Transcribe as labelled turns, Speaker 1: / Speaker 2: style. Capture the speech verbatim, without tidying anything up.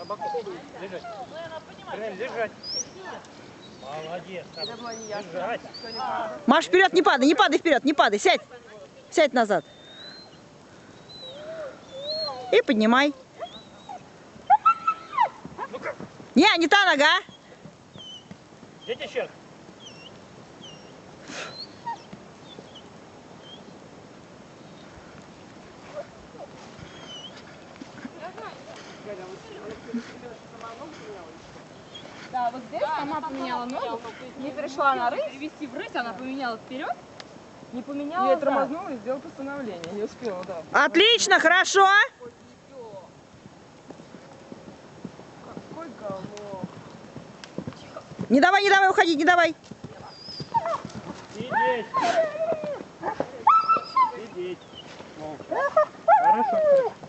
Speaker 1: На боку. Лежать. Принялись держать. Молодец. Держать.
Speaker 2: Маш, вперед, не падай, не падай вперед, не падай, сядь. Сядь назад. И поднимай.
Speaker 1: Ну-ка.
Speaker 2: Не, не та нога.
Speaker 1: Дети щерк.
Speaker 3: Да, вот здесь сама поменяла ногу, не перешла на рысь, вести в рысь, она поменяла вперед, не поменяла.
Speaker 4: Я тормознула и сделала постановление, не успела, да.
Speaker 2: Отлично, хорошо.
Speaker 4: Какой головок.
Speaker 2: Не давай, не давай уходить, не давай.
Speaker 1: Сидеть. Сидеть. Молча. Хорошо.